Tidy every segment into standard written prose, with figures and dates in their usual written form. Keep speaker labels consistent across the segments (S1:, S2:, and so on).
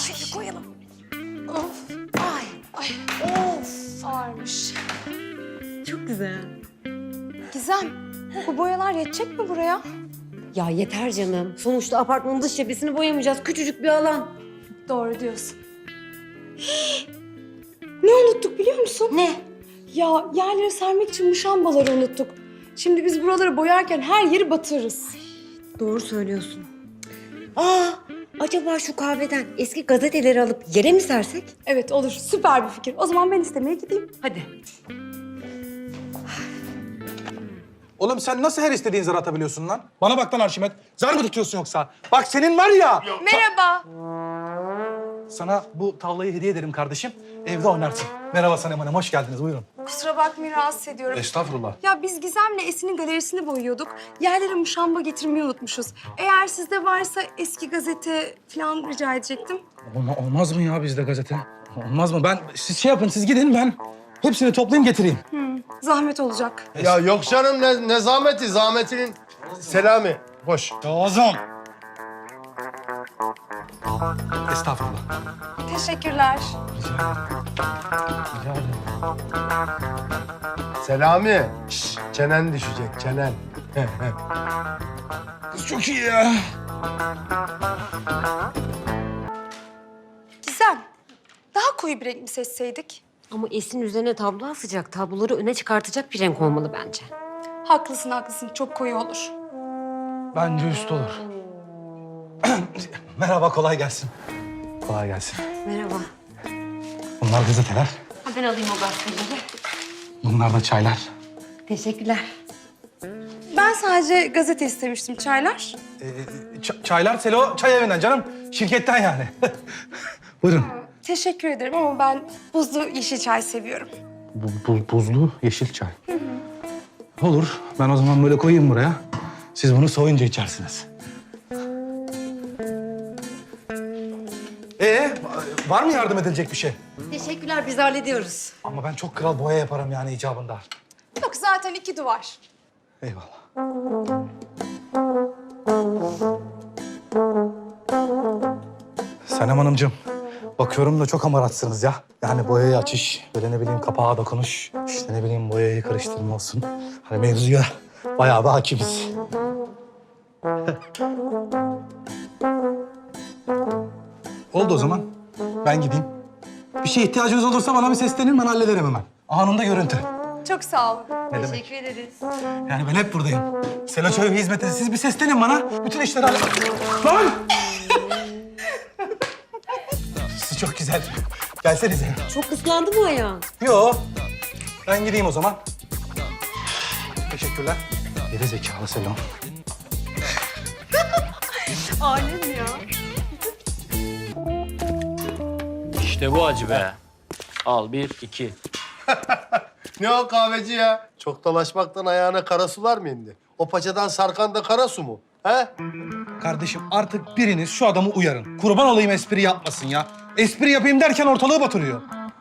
S1: Şöyle koyalım.
S2: Of.
S1: Ay.
S2: Ay.
S1: Of.
S2: Ağırmış.
S1: Çok güzel.
S2: Gizem, bu boyalar yetecek mi buraya?
S1: Ya yeter canım. Sonuçta apartmanın dış cephesini boyamayacağız. Küçücük bir alan.
S2: Doğru diyorsun. Ne unuttuk biliyor musun?
S1: Ne?
S2: Ya yerlere sermek için muşambaları unuttuk. Şimdi biz buraları boyarken her yeri batırırız.
S1: Doğru söylüyorsun. Acaba şu kahveden eski gazeteleri alıp yere mi sersek?
S2: Evet olur, süper bir fikir. O zaman ben istemeye gideyim.
S1: Hadi.
S3: Oğlum sen nasıl her istediğin zarı atabiliyorsun lan? Bana bak lan Arşimet. Zar mı tutuyorsun yoksa? Bak senin var ya.
S2: Merhaba.
S3: Sana bu tavlayı hediye ederim kardeşim. Evde oynarsın. Merhaba Sanem Hanım, hoş geldiniz. Buyurun.
S2: Kusura bakmayın, rahatsız ediyorum.
S3: Estağfurullah.
S2: Ya biz Gizem'le Esin'in galerisini boyuyorduk. Yerlere muşamba getirmeyi unutmuşuz. Eğer sizde varsa eski gazete falan rica edecektim.
S3: Olmaz mı ya bizde gazete? Olmaz mı? Siz şey yapın, siz gidin ben hepsini toplayayım getireyim.
S2: Zahmet olacak.
S4: Ya yok canım ne zahmeti, zahmetinin Selami. Hoş.
S3: Lazım. Estağfurullah.
S2: Teşekkürler.
S3: Rica ederim.
S4: Selami. Şş, çenen düşecek, çenen.
S3: Kız çok iyi ya.
S2: Gizem, daha koyu bir renk mi seçseydik?
S1: Ama Esin üzerine tablo asacak. Tabloları öne çıkartacak bir renk olmalı bence.
S2: Haklısın, haklısın. Çok koyu olur.
S3: Bence üst olur. Merhaba, kolay gelsin. Kolay gelsin.
S1: Merhaba.
S3: Bunlar gazeteler.
S1: Ha, ben alayım o gazeteleri.
S3: Bunlar da çaylar.
S1: Teşekkürler.
S2: Ben sadece gazete istemiştim. Çaylar?
S3: Çaylar Selo çay evinden canım. Şirketten yani. Buyurun.
S2: Teşekkür ederim ama ben buzlu yeşil çay seviyorum.
S3: Buzlu yeşil çay. Olur. Ben o zaman böyle koyayım buraya. Siz bunu soğuyunca içersiniz. Var mı yardım edilecek bir şey?
S1: Teşekkürler, biz hallediyoruz.
S3: Ama ben çok kral boya yaparım yani icabında.
S2: Yok, zaten 2 duvar.
S3: Eyvallah. Sanem Hanımcığım, bakıyorum da çok amaratsınız ya. Yani boyayı açış, böyle ne bileyim kapağa dokunuş, işte ne bileyim boyayı karıştırma olsun. Hani mevzuya bayağı bir hakimiz. Oldu o zaman. Ben gideyim. Bir şeye ihtiyacınız olursa bana bir seslenin, ben hallederim hemen. Anında görüntü.
S2: Çok sağ olun.
S3: Ne demek?
S1: Teşekkür ederiz.
S3: Yani ben hep buradayım. Selo Çayı hizmetine siz bir seslenin bana. Bütün işleri Lan! Siz çok güzel. Gelsenize.
S1: Çok kıskandı mı ayağın?
S3: Yo. Ben gideyim o zaman. Teşekkürler. Geri zekalı Selo.
S1: Alem ya.
S5: İşte bu acı be. Al 1, 2.
S4: Ne o kahveci ya? Çok dolaşmaktan ayağına kara sular mı indi? O paçadan sarkan da kara su mu? He?
S3: Kardeşim artık biriniz şu adamı uyarın. Kurban olayım espri yapmasın ya. Espri yapayım derken ortalığı batırıyor.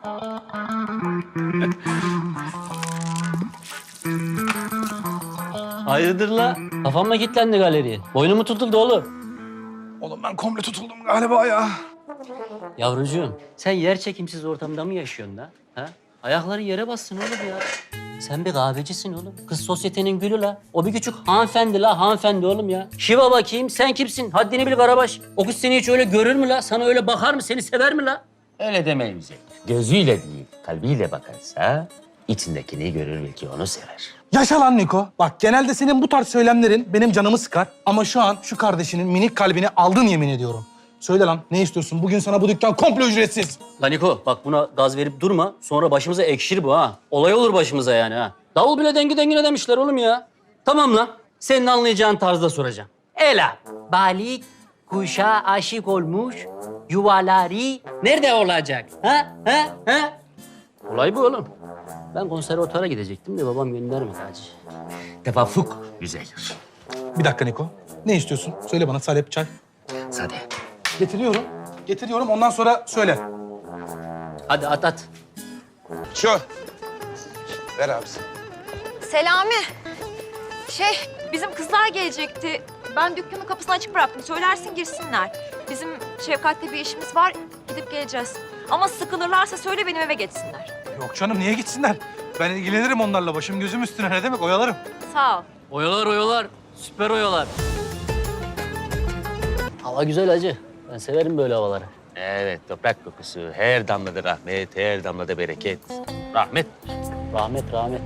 S5: Hayırdır la? Kafam mı kilitlendi galeriye? Boynum mu tutuldu oğlum?
S3: Oğlum ben komple tutuldum galiba ya.
S5: Yavrucuğum, sen yer çekimsiz ortamda mı yaşıyorsun da? Ha? Ayakların yere bassın oğlum ya. Sen bir kahvecisin oğlum. Kız sosyetenin gülü la. O bir küçük hanımefendi la, hanımefendi oğlum ya. Şiva bakayım, sen kimsin? Haddini bil Karabaş. O kız seni hiç öyle görür mü la? Sana öyle bakar mı? Seni sever mi la?
S6: Öyle demeyin bize. Gözüyle değil, kalbiyle bakarsa içindekini görür belki onu sever.
S3: Yaşa lan Niko. Bak genelde senin bu tarz söylemlerin benim canımı sıkar. Ama şu an şu kardeşinin minik kalbini aldın yemin ediyorum. Söyle lan ne istiyorsun? Bugün sana bu dükkan komple ücretsiz.
S5: Lan Niko, bak buna gaz verip durma. Sonra başımıza ekşir bu ha. Olay olur başımıza yani ha. Davul bile dengi dengine demişler oğlum ya. Tamam lan. Senin anlayacağın tarzda soracağım. Ela, balik kuşa aşık olmuş, yuvaları nerede olacak? Ha? Ha? Ha? Olay bu oğlum. Ben konservatuara gidecektim de babam göndermedi hacı.
S6: Tevafuk güzeldir.
S3: Bir dakika Niko. Ne istiyorsun? Söyle bana salep çay.
S6: Sade.
S3: Getiriyorum. Getiriyorum ondan sonra söyle.
S5: Hadi at.
S7: Şu. Ver abisi.
S8: Selami. Bizim kızlar gelecekti.
S7: Ben dükkanın kapısını açık bıraktım. Söylersin girsinler. Bizim Şefkat'le bir işimiz var. Gidip geleceğiz. Ama sıkılırlarsa söyle benim eve geçsinler.
S3: Yok canım niye gitsinler? Ben ilgilenirim onlarla. Başım gözüm üstüne ne demek oyalarım.
S7: Sağ ol.
S5: Oyalar oyalar. Süper oyalar. Hava güzel hacı. Ben severim böyle havaları.
S6: Evet, toprak kokusu. Her damlada rahmet, her damlada bereket. Rahmet.
S5: Rahmet rahmet.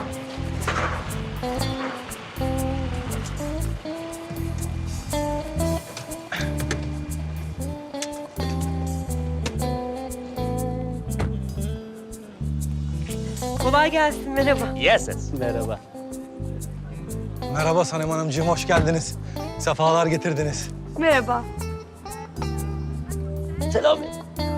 S1: Kolay gelsin, merhaba.
S6: Yeses.
S5: Merhaba.
S3: Merhaba Sanem Hanımcığım, hoş geldiniz. Sefalar getirdiniz.
S2: Merhaba.
S5: Selami.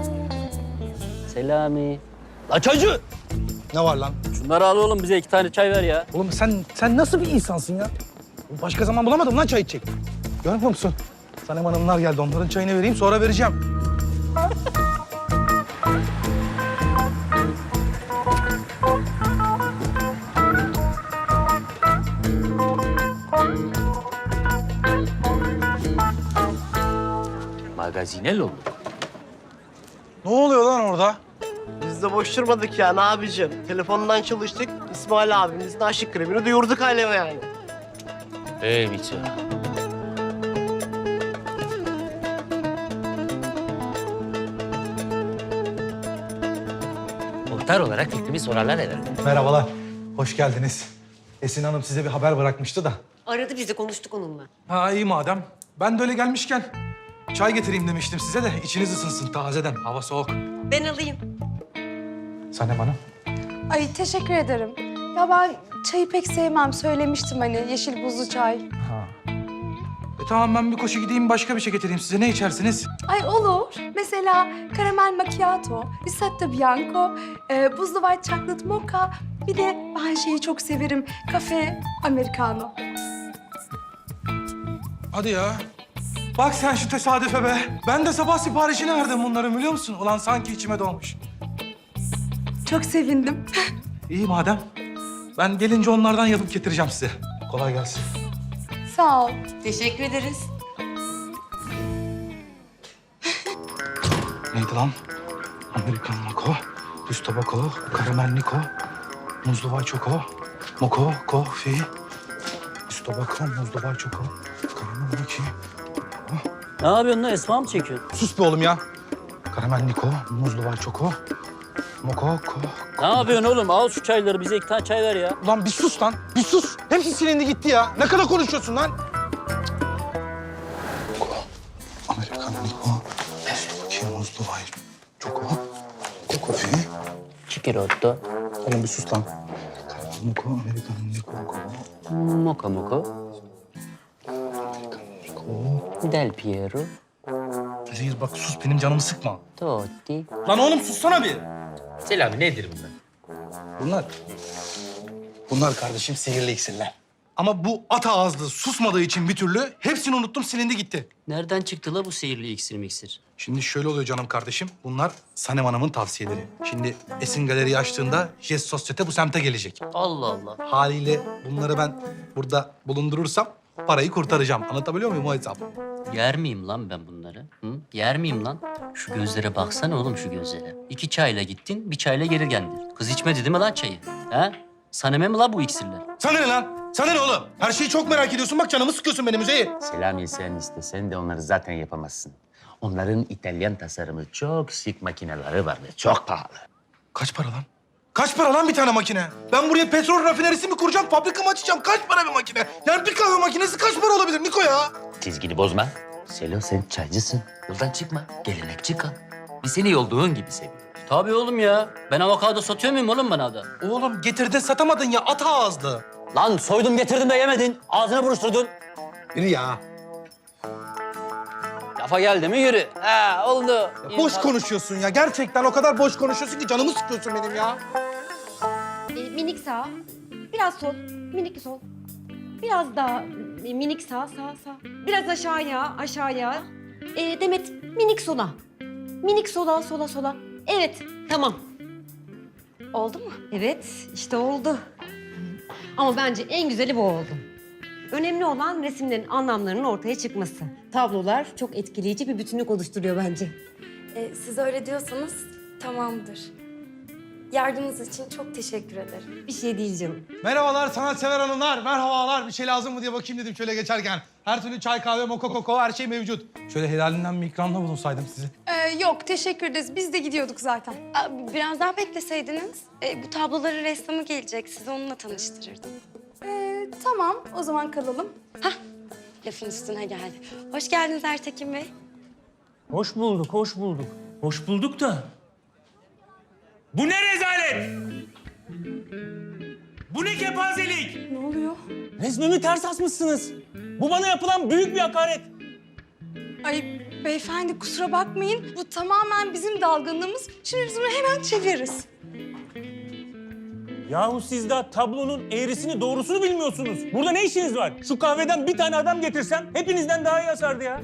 S5: Selami. La çocuğu.
S3: Ne var lan?
S5: Şunları al oğlum bize 2 tane çay ver ya.
S3: Oğlum sen nasıl bir insansın ya? Başka zaman bulamadım lan çay içecek. Görmüyor musun? Sanem Hanımlar geldi, onların çayını vereyim sonra vereceğim.
S6: Magazinel olduk.
S3: Ne oluyor lan orada?
S8: Biz de boş durmadık ya ne abicim. Telefondan çalıştık. İsmail abimizin aşık kremini duyurduk aleme yani.
S6: Evet. Muhtar olarak fikrimi sorarlar herhalde.
S3: Merhabalar, hoş geldiniz. Esin Hanım size bir haber bırakmıştı da.
S1: Aradı bizi, konuştuk onunla.
S3: Ha iyi madem. Ben de öyle gelmişken çay getireyim demiştim size de içiniz ısınsın tazeden. Hava soğuk.
S1: Ben alayım.
S3: Sanem Hanım.
S2: Ay teşekkür ederim. Ya ben çayı pek sevmem. Söylemiştim hani yeşil buzlu çay.
S3: Tamam ben bir koşu gideyim başka bir şey getireyim size. Ne içersiniz?
S2: Ay olur. Mesela karamel macchiato, risotto bianco, buzlu white chocolate mocha. Bir de ben şeyi çok severim. Kafe americano.
S3: Hadi ya. Bak sen şu tesadüfe be. Ben de sabah siparişini verdim bunların biliyor musun? Ulan sanki içime doğmuş.
S2: Çok sevindim.
S3: İyi madem. Ben gelince onlardan yapıp getireceğim size. Kolay gelsin.
S2: Sağ ol.
S1: Teşekkür ederiz.
S3: Neydi lan? Amerikan Moko, Düz Tabako, Karamel Niko, Muzlu Vay Çoko, Moko, Kofi, Düz Tabako, Muzlu Vay Çoko, Karamel Niki.
S5: Ne yapıyorsun lan? Esma mı çekiyorsun?
S3: Sus be oğlum ya. Karamel Niko, Muzlu Vay Çoko, Moko,
S5: Ne yapıyorsun oğlum? Al şu çayları bize 2 tane çay ver ya.
S3: Ulan bir sus lan, bir sus. Hepsi silindi gitti ya. Ne kadar konuşuyorsun lan? Moko, Amerikan Niko, Muzlu Muzlu Vay Çoko, Kofi.
S5: Çikirotto.
S3: Oğlum bir sus lan. Moko, Amerikan Niko,
S5: Moka moko. Del Piero.
S3: Zehir bak sus benim canımı sıkma.
S5: Totti.
S3: Lan oğlum sussana bir.
S6: Selami nedir bunlar?
S3: Bunlar kardeşim sihirli iksirler. Ama bu at ağızlı susmadığı için bir türlü hepsini unuttum silindi gitti.
S5: Nereden çıktı la bu sihirli iksir miksir?
S3: Şimdi şöyle oluyor canım kardeşim. Bunlar Sanem Hanım'ın tavsiyeleri. Şimdi Esin Galeri'yi açtığında Jest Sosyete bu semte gelecek.
S5: Allah Allah.
S3: Haliyle bunları ben burada bulundurursam parayı kurtaracağım. Anlatabiliyor muyum o hesap?
S5: Yer miyim lan ben bunları? Hı? Yer miyim lan? Şu gözlere baksana oğlum şu gözlere. 2 çayla gittin, 1 çayla geri geldin. Kız içmedi değil mi lan çayı? Ha? Saneme mi la bu iksirler?
S3: Sana ne lan? Sana ne oğlum? Her şeyi çok merak ediyorsun. Bak canımı sıkıyorsun benim Üzeyir.
S6: Selami sen istesen de onları zaten yapamazsın. Onların İtalyan tasarımı çok şık makineleri var ve çok pahalı.
S3: Kaç para lan? Kaç para lan bir tane makine? Ben buraya petrol rafinerisi mi kuracağım, fabrika mı açacağım? Kaç para bir makine? Yani bir kahve makinesi kaç para olabilir Niko ya?
S6: Çizgini bozma. Selo sen çaycısın. Yoldan çıkma. Gelenekçi kal. Biz seni olduğun gibi seviyoruz.
S5: Tabii oğlum ya. Ben avokado satıyor muyum oğlum bana da?
S3: Oğlum getirdin satamadın ya at ağızlı.
S5: Lan soydum getirdim de yemedin. Ağzına buruşturdun.
S3: Yürü ya.
S5: Lafa geldi mi yürü. Ha oldu.
S3: Boş konuşuyorsun ya. Gerçekten o kadar boş konuşuyorsun ki canımı sıkıyorsun benim ya.
S1: Minik sağ, biraz sol, minik sol. Biraz daha minik sağ. Biraz aşağıya. Demet, minik sola. Minik sola. Evet, tamam. Oldu mu? Evet, işte oldu. Ama bence en güzeli bu oldu. Önemli olan resimlerin anlamlarının ortaya çıkması. Tablolar çok etkileyici bir bütünlük oluşturuyor bence.
S9: Siz öyle diyorsanız tamamdır. Yardımınız için çok teşekkür ederim.
S1: Bir şey değil canım.
S3: Merhabalar sanatsever hanımlar, merhabalar. Bir şey lazım mı diye bakayım dedim şöyle geçerken. Her türlü çay, kahve, moka, koko her şey mevcut. Şöyle helalinden bir ikramda bulunsaydım sizi.
S2: Yok teşekkür ederiz. Biz de gidiyorduk zaten.
S9: Biraz daha bekleseydiniz. Bu tabloların ressamı gelecek. Sizi onunla tanıştırırdım.
S2: Tamam o zaman kalalım.
S9: Lafın üstüne geldi. Hoş geldiniz Ertekin Bey.
S10: Hoş bulduk, hoş bulduk. Hoş bulduk da... Bu ne rezalet? Bu ne kepazelik?
S2: Ne oluyor?
S10: Resmimi ters asmışsınız. Bu bana yapılan büyük bir hakaret.
S2: Ay beyefendi kusura bakmayın. Bu tamamen bizim dalgınlığımız. Şimdi biz bunu hemen çeviririz.
S10: Yahu siz daha tablonun eğrisini doğrusunu bilmiyorsunuz. Burada ne işiniz var? Şu kahveden bir tane adam getirsem hepinizden daha iyi asardı ya.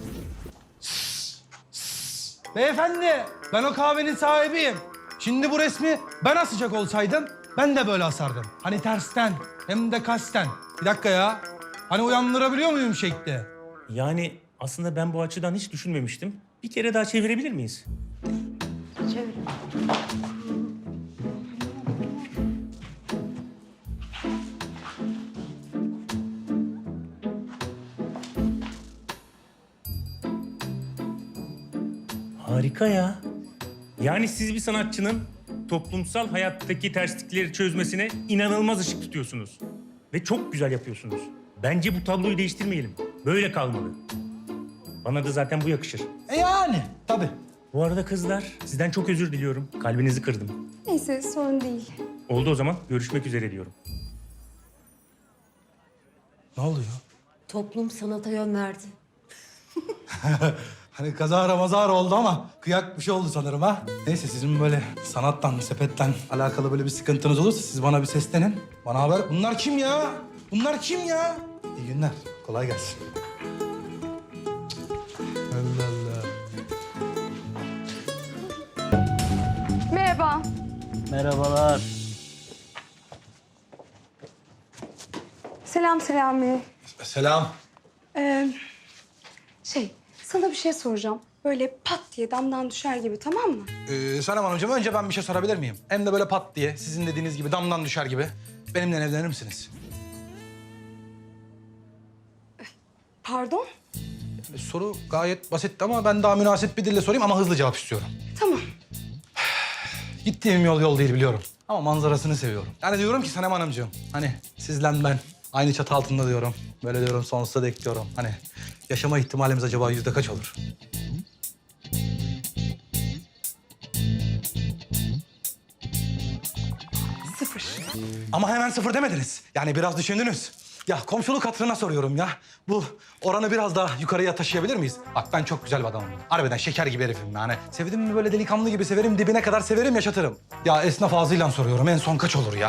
S3: Beyefendi, ben o kahvenin sahibiyim. Şimdi bu resmi ben asacak olsaydım, ben de böyle asardım. Hani tersten, hem de kasten. Bir dakika ya. Hani uyandırabiliyor muyum şekli?
S10: Yani aslında ben bu açıdan hiç düşünmemiştim. Bir kere daha çevirebilir miyiz? Harika ya. Yani siz bir sanatçının toplumsal hayattaki terslikleri çözmesine inanılmaz ışık tutuyorsunuz. Ve çok güzel yapıyorsunuz. Bence bu tabloyu değiştirmeyelim. Böyle kalmalı. Bana da zaten bu yakışır.
S3: Yani, tabii.
S10: Bu arada kızlar, sizden çok özür diliyorum. Kalbinizi kırdım.
S2: Neyse sorun değil.
S10: Oldu o zaman. Görüşmek üzere diyorum.
S3: Ne oluyor?
S1: Toplum sanata yön verdi.
S3: Hani kazara mazara oldu ama kıyak bir şey oldu sanırım ha. Neyse sizin böyle sanattan, sepetten alakalı böyle bir sıkıntınız olursa siz bana bir seslenin. Bana haber... Bunlar kim ya? Bunlar kim ya? İyi günler. Kolay gelsin. Allah Allah.
S2: Merhaba.
S5: Merhabalar.
S2: Selam Selami.
S3: Selam.
S2: Sana bir şey soracağım. Böyle pat diye damdan düşer gibi tamam mı?
S3: Sanem Hanımcığım önce ben bir şey sorabilir miyim? Hem de böyle pat diye sizin dediğiniz gibi damdan düşer gibi. Benimle evlenir misiniz?
S2: Pardon?
S3: Soru gayet basitti ama ben daha münasip bir dille sorayım ama hızlı cevap istiyorum.
S2: Tamam.
S3: Gittiğim yol değil biliyorum. Ama manzarasını seviyorum. Yani diyorum ki Sanem Hanımcığım, hani sizle ben aynı çatı altında diyorum. Böyle diyorum sonsuza dek diyorum. Hani yaşama ihtimalimiz acaba yüzde kaç olur?
S2: Sıfır.
S3: Ama hemen sıfır demediniz. Yani biraz düşündünüz. Ya komşuluk hatırına soruyorum ya. Bu oranı biraz daha yukarıya taşıyabilir miyiz? Bak ben çok güzel bir adamım. Harbiden şeker gibi herifim yani. Sevdim mi böyle delikanlı gibi severim, dibine kadar severim, yaşatırım. Ya esnaf ağzıyla soruyorum. En son kaç olur ya?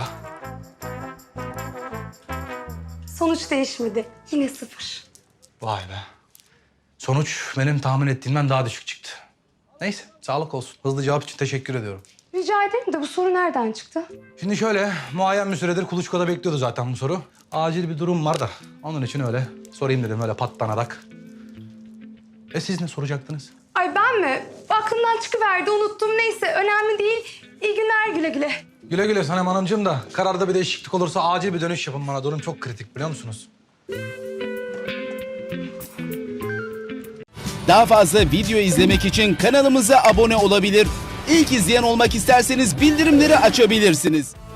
S2: Sonuç değişmedi. Yine sıfır.
S3: Vay be. Sonuç benim tahmin ettiğimden daha düşük çıktı. Neyse, sağlık olsun. Hızlı cevap için teşekkür ediyorum.
S2: Rica ederim de bu soru nereden çıktı?
S3: Şimdi şöyle, muayyen bir süredir kuluçkada bekliyordu zaten bu soru. Acil bir durum var da onun için öyle sorayım dedim öyle patlanarak. Siz ne soracaktınız?
S2: Ay ben mi? Aklımdan çıkıverdi unuttum. Neyse önemli değil. İyi günler güle güle.
S3: Güle güle Sanem Hanımcığım da kararda bir değişiklik olursa acil bir dönüş yapın bana. Durum çok kritik biliyor musunuz?
S11: Daha fazla video izlemek için kanalımıza abone olabilir. İlk izleyen olmak isterseniz bildirimleri açabilirsiniz.